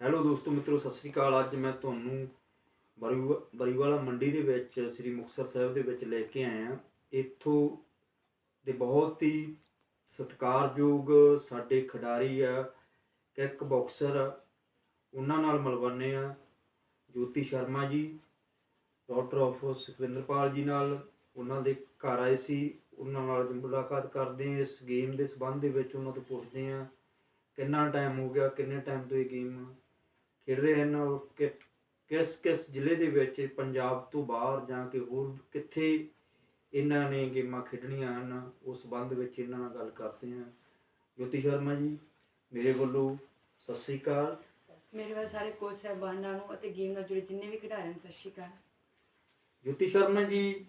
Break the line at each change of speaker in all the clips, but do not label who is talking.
Hello ਦੋਸਤੋ ਮਿੱਤਰੋ, ਸਤਿ ਸ਼੍ਰੀ ਅਕਾਲ। ਅੱਜ ਮੈਂ ਤੁਹਾਨੂੰ ਬਰੀਵਾਲਾ ਮੰਡੀ ਦੇ ਵਿੱਚ ਸ੍ਰੀ ਮੁਕਤਸਰ ਸਾਹਿਬ ਦੇ ਵਿੱਚ ਲੈ ਕੇ ਆਇਆ। ਇੱਥੋਂ ਦੇ ਬਹੁਤ ਹੀ ਸਤਿਕਾਰਯੋਗ ਸਾਡੇ ਖਿਡਾਰੀ ਆ, ਕਿੱਕ ਬਾਕਸਰ ਆ, ਉਹਨਾਂ ਨਾਲ ਮਿਲਵਾਉਂਦੇ ਆ। ਜੋਤੀ ਸ਼ਰਮਾ ਜੀ, ਡਾਕਟਰ ਆਫ ਸੁਖਵਿੰਦਰਪਾਲ ਜੀ ਨਾਲ ਉਹਨਾਂ ਦੇ ਘਰ ਆਏ ਸੀ। ਉਹਨਾਂ ਨਾਲ ਮੁਲਾਕਾਤ ਕਰਦੇ ਹਾਂ। ਇਸ ਗੇਮ ਦੇ ਸੰਬੰਧ ਦੇ ਵਿੱਚ ਉਹਨਾਂ ਤੋਂ ਪੁੱਛਦੇ ਹਾਂ ਕਿੰਨਾ ਟਾਈਮ ਹੋ ਗਿਆ, ਕਿੰਨੇ ਟਾਈਮ ਤੋਂ ਇਹ ਗੇਮ ਖੇਡ ਰਹੇ ਹਨ, ਕਿ ਕਿਸ ਜ਼ਿਲ੍ਹੇ ਦੇ ਵਿੱਚ ਪੰਜਾਬ ਤੋਂ ਬਾਹਰ ਜਾਂ ਕਿ ਹੋਰ ਕਿੱਥੇ ਇਹਨਾਂ ਨੇ ਗੇਮਾਂ ਖੇਡਣੀਆਂ ਹਨ, ਉਸ ਸੰਬੰਧ ਵਿੱਚ ਇਹਨਾਂ ਨਾਲ ਗੱਲ ਕਰਦੇ ਹਾਂ। ਜੋਤੀ ਸ਼ਰਮਾ ਜੀ, ਮੇਰੇ ਵੱਲੋਂ ਸਤਿ ਸ਼੍ਰੀ ਅਕਾਲ।
ਮੇਰੇ ਵੱਲ ਸਾਰੇ ਕੋਚ ਸਾਹਿਬਾਨਾਂ ਨੂੰ ਅਤੇ ਗੇਮ ਨਾਲ ਜੁੜੇ ਜਿੰਨੇ ਵੀ ਖਿਡਾਰੀ ਹਨ, ਸਤਿ ਸ਼੍ਰੀ ਅਕਾਲ।
ਜੋਤੀ ਸ਼ਰਮਾ ਜੀ,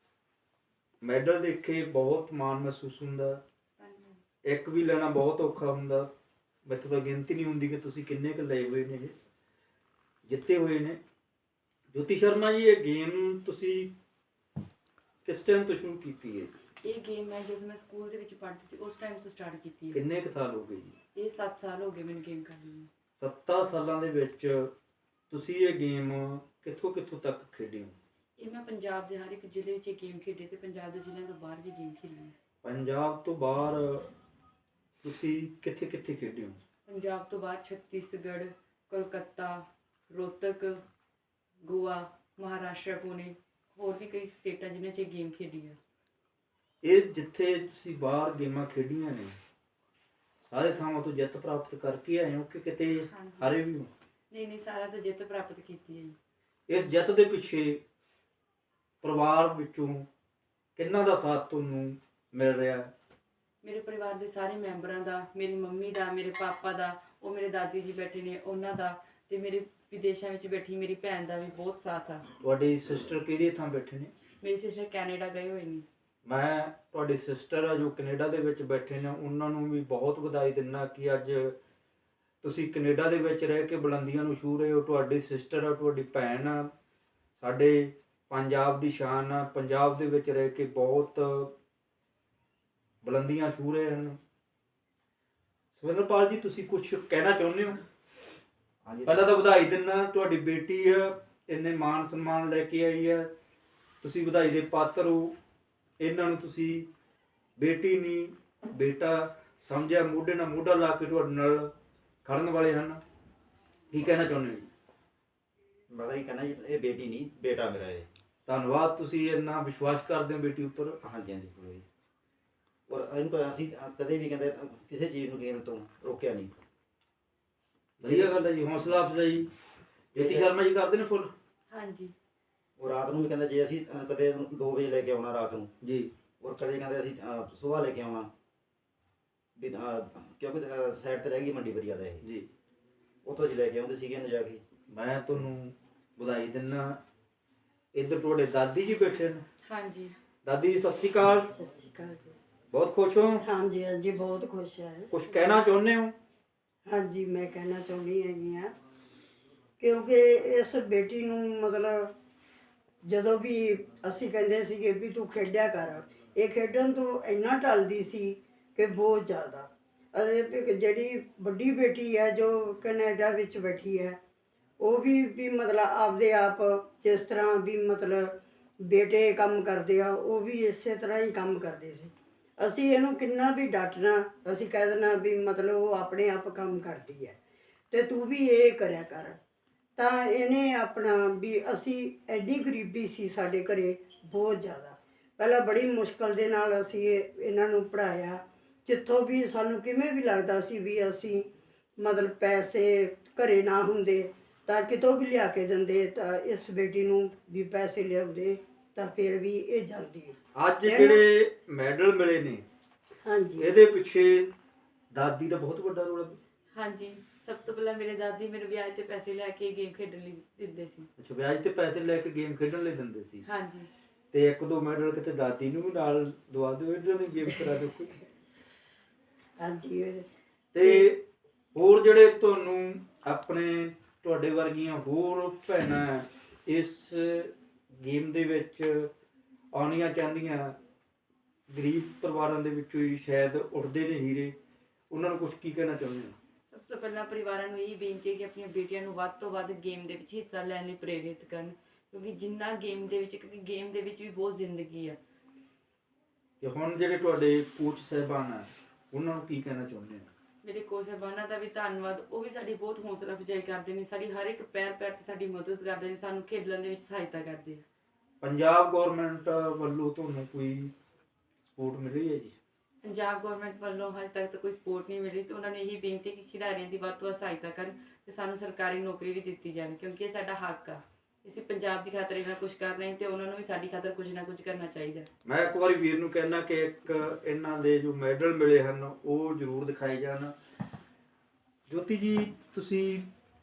ਮੈਡਲ ਦੇਖ ਕੇ ਬਹੁਤ ਮਾਣ ਮਹਿਸੂਸ ਹੁੰਦਾ। ਇੱਕ ਵੀ ਲੈਣਾ ਬਹੁਤ ਔਖਾ ਹੁੰਦਾ। ਮੈਥੋਂ ਤਾਂ ਗਿਣਤੀ ਨਹੀਂ ਹੁੰਦੀ ਕਿ ਤੁਸੀਂ ਕਿੰਨੇ ਕੁ ਲਏ ਹੋਏ ਨੇ, ਜਿੱਤੇ ਹੋਏ ਨੇ। ਜੋਤੀ ਸ਼ਰਮਾ ਜੀ, ਇਹ ਗੇਮ ਤੁਸੀਂ ਕਿਸ ਟਾਈਮ ਤੋਂ ਸ਼ੁਰੂ ਕੀਤੀ ਹੈ?
ਇਹ ਗੇਮ ਮੈਂ ਜਦੋਂ ਮੈਂ ਸਕੂਲ ਦੇ ਵਿੱਚ ਪੜ੍ਹਦੀ ਸੀ ਉਸ ਟਾਈਮ ਤੋਂ ਸਟਾਰਟ ਕੀਤੀ ਹੈ।
ਕਿੰਨੇ ਕੁ ਸਾਲ ਹੋ ਗਏ ਜੀ?
ਇਹ 7 ਸਾਲ ਹੋ ਗਏ ਮੈਨੂੰ ਗੇਮ ਕਰਦੀ ਨੂੰ।
7 ਸਾਲਾਂ ਦੇ ਵਿੱਚ ਤੁਸੀਂ ਇਹ ਗੇਮ ਕਿੱਥੋਂ ਤੱਕ ਖੇਡੀ ਹੋ?
ਇਹ ਮੈਂ ਪੰਜਾਬ ਦੇ ਹਰ ਇੱਕ ਜ਼ਿਲ੍ਹੇ ਵਿੱਚ ਇਹ ਗੇਮ ਖੇਡੀ ਤੇ ਪੰਜਾਬ ਦੇ ਜ਼ਿਲ੍ਹਿਆਂ ਤੋਂ ਬਾਹਰ ਵੀ ਗੇਮ ਖੇਡੀ ਹੈ।
ਪੰਜਾਬ ਤੋਂ ਬਾਹਰ ਤੁਸੀਂ ਕਿੱਥੇ ਖੇਡੇ ਹੋ?
ਪੰਜਾਬ ਤੋਂ ਬਾਹਰ ਛੱਤੀਸਗੜ੍ਹ, ਕੋਲਕਾਤਾ, ਰੋਹਤਕ, ਗੋਆ, ਮਹਾਰਾਸ਼ਟਰ, ਪੁਣੇ, ਹੋਰ ਵੀ ਕਈ ਸਟੇਟਾਂ ਜਿਨ੍ਹਾਂ 'ਚ ਇਹ ਗੇਮ ਖੇਡੀ ਹੈ।
ਇਹ ਜਿੱਥੇ ਤੁਸੀਂ ਬਾਹਰ ਗੇਮਾਂ ਖੇਡੀਆਂ ਨੇ, ਸਾਰੇ ਥਾਵਾਂ ਤੋਂ ਜਿੱਤ ਪ੍ਰਾਪਤ ਕਰਕੇ ਆਏ ਹੋ ਕਿ ਕਿਤੇ ਹਾਰੇ ਵੀ ਹੋ?
ਨਹੀਂ, ਸਾਰਾ ਤਾਂ ਜਿੱਤ ਪ੍ਰਾਪਤ ਕੀਤੀ ਹੈ ਜੀ।
ਇਸ ਜਿੱਤ ਦੇ ਪਿੱਛੇ ਪਰਿਵਾਰ ਵਿੱਚੋਂ ਕਿੰਨਾ ਦਾ ਸਾਥ ਤੁਹਾਨੂੰ ਮਿਲ ਰਿਹਾ?
ਮੇਰੇ ਪਰਿਵਾਰ ਦੇ ਸਾਰੇ ਮੈਂਬਰਾਂ ਦਾ, ਮੇਰੀ ਮੰਮੀ ਦਾ, ਮੇਰੇ ਪਾਪਾ ਦਾ, ਉਹ ਮੇਰੇ ਦਾਦੀ ਜੀ ਬੈਠੇ ਨੇ ਉਹਨਾਂ ਦਾ, ਤੇ ਮੇਰੇ ਵਿਦੇਸ਼ਾਂ ਵਿੱਚ ਬੈਠੀ ਮੇਰੀ ਭੈਣ ਦਾ ਵੀ ਬਹੁਤ ਸਾਥ ਆ।
ਤੁਹਾਡੀ ਸਿਸਟਰ ਕਿਹੜੀ ਥਾਂ ਬੈਠੇ ਨੇ?
ਮੇਰੀ ਸਿਸਟਰ ਕੈਨੇਡਾ ਗਏ ਹੋਏ ਨੇ।
ਮੈਂ ਤੁਹਾਡੀ ਸਿਸਟਰ ਆ ਜੋ ਕੈਨੇਡਾ ਦੇ ਵਿੱਚ ਬੈਠੇ ਨੇ, ਉਹਨਾਂ ਨੂੰ ਵੀ ਬਹੁਤ ਵਧਾਈ ਦਿੰਦਾ ਕਿ ਅੱਜ ਤੁਸੀਂ ਕੈਨੇਡਾ ਦੇ ਵਿੱਚ ਰਹਿ ਕੇ ਬੁਲੰਦੀਆਂ ਨੂੰ ਛੂਹ ਰਹੇ ਹੋ। ਤੁਹਾਡੀ ਸਿਸਟਰ ਆ, ਤੁਹਾਡੀ ਭੈਣ ਆ, ਸਾਡੇ ਪੰਜਾਬ ਦੀ ਸ਼ਾਨ ਆ। ਪੰਜਾਬ ਦੇ ਵਿੱਚ ਰਹਿ ਕੇ ਬਹੁਤ ਬੁਲੰਦੀਆਂ ਛੂਹ ਰਹੇ ਹਨ। ਸੁਖਵਿੰਦਰਪਾਲ ਜੀ, ਤੁਸੀਂ ਕੁਝ ਕਹਿਣਾ ਚਾਹੁੰਦੇ ਹੋ? ਪਹਿਲਾਂ ਤਾਂ ਵਧਾਈ ਦਿੰਦਾ, ਤੁਹਾਡੀ ਬੇਟੀ ਆ, ਇੰਨੇ ਮਾਣ ਸਨਮਾਨ ਲੈ ਕੇ ਆਈ ਆ, ਤੁਸੀਂ ਵਧਾਈ ਦੇ ਪਾਤਰ ਹੋ। ਇਹਨਾਂ ਨੂੰ ਤੁਸੀਂ ਬੇਟੀ ਨਹੀਂ ਬੇਟਾ ਸਮਝਿਆ, ਮੋਢੇ ਨਾਲ ਮੋਢਾ ਲਾ ਕੇ ਤੁਹਾਡੇ ਨਾਲ ਖੜਨ ਵਾਲੇ ਹਨ। ਕੀ ਕਹਿਣਾ ਚਾਹੁੰਦੇ ਹੋ ਜੀ?
ਮੈਂ ਤਾਂ ਇਹ ਕਹਿਣਾ ਜੀ, ਇਹ ਬੇਟੀ ਨਹੀਂ ਬੇਟਾ ਮੇਰਾ ਇਹ।
ਧੰਨਵਾਦ, ਤੁਸੀਂ ਇੰਨਾ ਵਿਸ਼ਵਾਸ ਕਰਦੇ ਹੋ ਬੇਟੀ ਉੱਪਰ।
ਹਾਂਜੀ ਪੂਰਾ ਜੀ। ਔਰ ਇਹਨੂੰ ਤਾਂ ਅਸੀਂ ਕਦੇ ਵੀ ਕਹਿੰਦੇ ਕਿਸੇ ਚੀਜ਼ ਨੂੰ ਗੇਮ ਤੋਂ ਰੋਕਿਆ ਨਹੀਂ।
ਵਧੀਆ ਗੱਲ ਹੈ ਜੀ, ਹੌਸਲਾ ਅਫਜ਼ਾਈ ਜੋਤੀ ਸ਼ਰਮਾ ਜੀ ਕਰਦੇ ਨੇ ਫੁੱਲ।
ਹਾਂਜੀ।
ਉਹ ਰਾਤ ਨੂੰ ਵੀ ਕਹਿੰਦੇ ਜੇ ਅਸੀਂ ਕਦੇ 2 ਵਜੇ ਲੈ ਕੇ ਆਉਣਾ ਰਾਤ ਨੂੰ
ਜੀ।
ਔਰ ਕਦੇ ਕਹਿੰਦੇ ਅਸੀਂ ਸੁਬਾਹ ਲੈ ਕੇ ਆਉਣਾ ਵੀ, ਕਿਉਂਕਿ ਸਾਈਡ ਤੇ ਰਹਿ ਗਈ ਮੰਡੀ ਬਰੀਆ ਦਾ ਇਹ
ਜੀ।
ਉੱਥੋਂ ਅਸੀਂ ਲੈ ਕੇ ਆਉਂਦੇ ਸੀਗੇ ਨਾ ਜਾ ਕੇ।
ਮੈਂ ਤੁਹਾਨੂੰ ਵਧਾਈ ਦਿੰਦਾ। ਇੱਧਰ ਤੁਹਾਡੇ ਦਾਦੀ ਜੀ ਬੈਠੇ ਨੇ।
ਹਾਂਜੀ।
ਦਾਦੀ ਜੀ, ਸਤਿ ਸ਼੍ਰੀ ਅਕਾਲ।
ਸਤਿ ਸ਼੍ਰੀ ਅਕਾਲ ਜੀ।
ਬਹੁਤ ਖੁਸ਼ ਹੋ?
ਹਾਂਜੀ ਹਾਂਜੀ, ਬਹੁਤ ਖੁਸ਼ ਹੈ।
ਕੁਝ ਕਹਿਣਾ ਚਾਹੁੰਦੇ ਹੋ?
ਹਾਂਜੀ, ਮੈਂ ਕਹਿਣਾ ਚਾਹੁੰਦੀ ਹੈਗੀ ਆ, ਕਿਉਂਕਿ ਇਸ ਬੇਟੀ ਨੂੰ ਮਤਲਬ ਜਦੋਂ ਵੀ ਅਸੀਂ ਕਹਿੰਦੇ ਸੀਗੇ ਵੀ ਤੂੰ ਖੇਡਿਆ ਕਰ, ਇਹ ਖੇਡਣ ਤੋਂ ਇੰਨਾ ਟਲਦੀ ਸੀ ਕਿ ਬਹੁਤ ਜ਼ਿਆਦਾ। ਅਤੇ ਜਿਹੜੀ ਵੱਡੀ ਬੇਟੀ ਹੈ ਜੋ ਕੈਨੇਡਾ ਵਿੱਚ ਬੈਠੀ ਹੈ, ਉਹ ਵੀ ਮਤਲਬ ਆਪਦੇ ਆਪ ਜਿਸ ਤਰ੍ਹਾਂ ਵੀ ਮਤਲਬ ਬੇਟੇ ਕੰਮ ਕਰਦੇ ਆ, ਉਹ ਵੀ ਇਸੇ ਤਰ੍ਹਾਂ ਹੀ ਕੰਮ ਕਰਦੇ ਸੀ। ਅਸੀਂ ਇਹਨੂੰ ਕਿੰਨਾ ਵੀ ਡਾਂਟਣਾ, ਅਸੀਂ ਕਹਿ ਦੇਣਾ ਵੀ ਮਤਲਬ ਉਹ ਆਪਣੇ ਆਪ ਕੰਮ ਕਰਦੀ ਹੈ ਅਤੇ ਤੂੰ ਵੀ ਇਹ ਕਰਿਆ ਕਰ। ਤਾਂ ਇਹਨੇ ਆਪਣਾ ਵੀ, ਅਸੀਂ ਐਡੀ ਗਰੀਬੀ ਸੀ ਸਾਡੇ ਘਰੇ ਬਹੁਤ ਜ਼ਿਆਦਾ। ਪਹਿਲਾਂ ਬੜੀ ਮੁਸ਼ਕਲ ਦੇ ਨਾਲ ਅਸੀਂ ਇਹਨਾਂ ਨੂੰ ਪੜ੍ਹਾਇਆ। ਜਿੱਥੋਂ ਵੀ ਸਾਨੂੰ ਕਿਵੇਂ ਵੀ ਲੱਗਦਾ ਸੀ ਵੀ ਅਸੀਂ ਮਤਲਬ ਪੈਸੇ ਘਰੇ ਨਾ ਹੁੰਦੇ ਤਾਂ ਕਿਤੋਂ ਵੀ ਲਿਆ ਕੇ ਦਿੰਦੇ, ਤਾਂ ਇਸ ਬੇਟੀ ਨੂੰ ਵੀ ਪੈਸੇ ਲਿਆਉਂਦੇ ਤਾਂ ਫਿਰ ਵੀ ਇਹ ਜਾਂਦੀ।
ਅੱਜ ਜਿਹੜੇ ਮੈਡਲ ਮਿਲੇ ਨੇ,
ਹਾਂਜੀ,
ਇਹਦੇ ਪਿੱਛੇ ਦਾਦੀ ਦਾ ਬਹੁਤ ਵੱਡਾ ਰੋਲ ਹੈ।
ਹਾਂਜੀ, ਸਭ ਤੋਂ ਪਹਿਲਾਂ ਮੇਰੇ ਦਾਦੀ ਮੈਨੂੰ ਵਿਆਜ ਤੇ ਪੈਸੇ ਲੈ ਕੇ ਗੇਮ ਖੇਡਣ ਲਈ ਦਿੰਦੇ ਸੀ।
ਅੱਛਾ, ਵਿਆਜ ਤੇ ਪੈਸੇ ਲੈ ਕੇ ਗੇਮ ਖੇਡਣ ਲਈ ਦਿੰਦੇ ਸੀ।
ਹਾਂਜੀ।
ਤੇ 1-2 ਮੈਡਲ ਕਿਤੇ ਦਾਦੀ ਨੂੰ ਵੀ ਨਾਲ ਦਵਾ ਦਿਓ, ਇਹਨਾਂ ਨੇ ਗੇਮ ਕਰਾ ਦਿਓ ਕੋਈ।
ਹਾਂਜੀ।
ਤੇ ਹੋਰ ਜਿਹੜੇ ਤੁਹਾਨੂੰ ਤੁਹਾਡੇ ਵਰਗੀਆਂ ਹੋਰ ਭੈਣਾਂ ਇਸ ਗੇਮ ਦੇ ਵਿੱਚ ਆਉਣੀਆਂ ਚਾਹੁੰਦੀਆਂ, ਗਰੀਬ ਪਰਿਵਾਰਾਂ ਦੇ ਵਿੱਚੋਂ ਹੀ ਸ਼ਾਇਦ ਉੱਠਦੇ ਨੇ ਹੀਰੇ, ਉਹਨਾਂ ਨੂੰ ਕੁਝ ਕੀ ਕਹਿਣਾ ਚਾਹੁੰਦੇ ਹੋ?
ਸਭ ਤੋਂ ਤੋਂ ਪਹਿਲਾਂ ਪਰਿਵਾਰਾਂ ਨੂੰ ਇਹ ਬੇਨਤੀ ਹੈ ਕਿ ਆਪਣੀਆਂ ਬੇਟੀਆਂ ਨੂੰ ਵੱਧ ਤੋਂ ਵੱਧ ਗੇਮ ਦੇ ਵਿੱਚ ਹਿੱਸਾ ਲੈਣ ਲਈ ਪ੍ਰੇਰਿਤ ਕਰਨ, ਕਿਉਂਕਿ ਜਿੰਨਾ ਗੇਮ ਦੇ ਵਿੱਚ, ਕਿਉਂਕਿ ਗੇਮ ਦੇ ਵਿੱਚ ਵੀ ਬਹੁਤ ਜ਼ਿੰਦਗੀ ਆ।
ਤੇ ਹੁਣ ਜਿਹੜੇ ਤੁਹਾਡੇ ਕੋਚ ਸਾਹਿਬਾਨ ਆ ਉਹਨਾਂ ਨੂੰ ਕੀ ਕਹਿਣਾ ਚਾਹੁੰਦੇ ਆ?
ਮੇਰੇ ਕੋਚ ਸਾਹਿਬਾਨਾਂ ਦਾ ਵੀ ਧੰਨਵਾਦ, ਉਹ ਵੀ ਸਾਡੀ ਬਹੁਤ ਹੌਸਲਾ ਅਫਜ਼ਾਈ ਕਰਦੇ ਨੇ, ਸਾਡੀ ਹਰ ਇੱਕ ਪੈਰ ਤੇ ਸਾਡੀ ਮਦਦ ਕਰਦੇ ਨੇ, ਸਾਨੂੰ ਖੇਡਣ ਦੇ ਵਿੱਚ ਸਹਾਇਤਾ ਕਰਦੇ ਆ।
ਪੰਜਾਬ ਗਵਰਨਮੈਂਟ ਵੱਲੋਂ ਤੁਹਾਨੂੰ ਕੋਈ ਸਪੋਰਟ ਮਿਲ ਰਹੀ ਹੈ ਜੀ?
ਪੰਜਾਬ ਗਵਰਨਮੈਂਟ ਵੱਲੋਂ ਹਾਲੇ ਤੱਕ ਤਾਂ ਕੋਈ ਸਪੋਰਟ ਨਹੀਂ ਮਿਲੀ, ਤੇ ਉਹਨਾਂ ਨੇ ਇਹੀ ਬੇਨਤੀ ਕਿ ਖਿਡਾਰੀਆਂ ਦੀ ਵੱਧ ਤੋਂ ਵੱਧ ਸਹਾਇਤਾ ਕਰਨ ਤੇ ਸਾਨੂੰ ਸਰਕਾਰੀ ਨੌਕਰੀ ਵੀ ਦਿੱਤੀ ਜਾਵੇ, ਕਿਉਂਕਿ ਇਹ ਸਾਡਾ ਹੱਕ ਆ। ਅਸੀਂ ਪੰਜਾਬ ਦੀ ਖਾਤਰ ਇਹਨਾਂ ਕੁਝ ਕਰ ਰਹੇ ਹਾਂ ਤੇ ਉਹਨਾਂ ਨੂੰ ਵੀ ਸਾਡੀ ਖਾਤਰ ਕੁਝ ਨਾ ਕੁਝ ਕਰਨਾ ਚਾਹੀਦਾ।
ਮੈਂ ਇੱਕ ਵਾਰੀ ਵੀਰ ਨੂੰ ਕਹਿਣਾ ਕਿ ਇੱਕ ਇਹਨਾਂ ਦੇ ਜੋ ਮੈਡਲ ਮਿਲੇ ਹਨ ਉਹ ਜ਼ਰੂਰ ਦਿਖਾਏ ਜਾਣ। ਜੋਤੀ ਜੀ, ਤੁਸੀਂ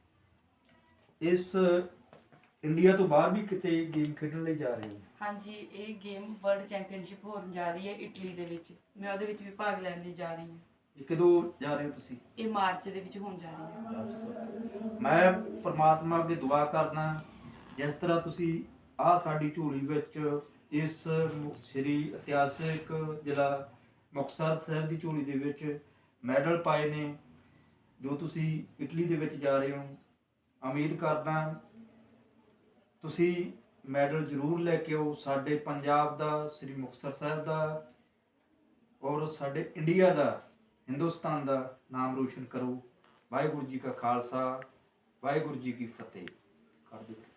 ਇਸ ਇੰਡੀਆ ਤੋਂ ਬਾਹਰ ਵੀ ਕਿਤੇ ਗੇਮ ਖੇਡਣ ਲਈ ਜਾ ਰਹੇ ਹੋ?
ਹਾਂਜੀ, ਇਹ ਗੇਮ ਵਰਲਡ ਚੈਂਪੀਅਨਸ਼ਿਪ ਹੋਣ ਜਾ ਰਹੀ ਹੈ ਇਟਲੀ ਦੇ ਵਿੱਚ, ਮੈਂ ਉਹਦੇ ਵਿੱਚ ਵੀ ਭਾਗ ਲੈਣ ਲਈ ਜਾ ਰਹੀ ਹਾਂ।
ਇਹ ਕਦੋਂ ਜਾ ਰਹੇ ਹੋ ਤੁਸੀਂ?
ਇਹ ਮਾਰਚ ਦੇ ਵਿੱਚ ਹੋਣ ਜਾ ਰਹੀ ਹੈ।
ਮੈਂ ਪ੍ਰਮਾਤਮਾ ਅੱਗੇ ਦੁਆ ਕਰਦਾ ਜਿਸ ਤਰ੍ਹਾਂ ਤੁਸੀਂ ਆਹ ਸਾਡੀ ਝੋਲੀ ਵਿੱਚ ਇਸ ਸ੍ਰੀ ਇਤਿਹਾਸਿਕ ਜ਼ਿਲ੍ਹਾ ਮੁਕਤਸਰ ਸਾਹਿਬ ਦੀ ਝੋਲੀ ਦੇ ਵਿੱਚ ਮੈਡਲ ਪਾਏ ਨੇ, ਜੋ ਤੁਸੀਂ ਇਟਲੀ ਦੇ ਵਿੱਚ ਜਾ ਰਹੇ ਹੋ, ਉਮੀਦ ਕਰਦਾ ਤੁਸੀਂ ਮੈਡਲ ਜ਼ਰੂਰ ਲੈ ਕੇ ਆਓ। ਸਾਡੇ ਪੰਜਾਬ ਦਾ, ਸ੍ਰੀ ਮੁਕਤਸਰ ਸਾਹਿਬ ਦਾ ਔਰ ਸਾਡੇ ਇੰਡੀਆ ਦਾ, ਹਿੰਦੁਸਤਾਨ ਦਾ ਨਾਮ ਰੋਸ਼ਨ ਕਰੋ। ਵਾਹਿਗੁਰੂ ਜੀ ਕਾ ਖਾਲਸਾ, ਵਾਹਿਗੁਰੂ ਜੀ ਕੀ ਫਤਿਹ। ਕਰ ਦਿਓ।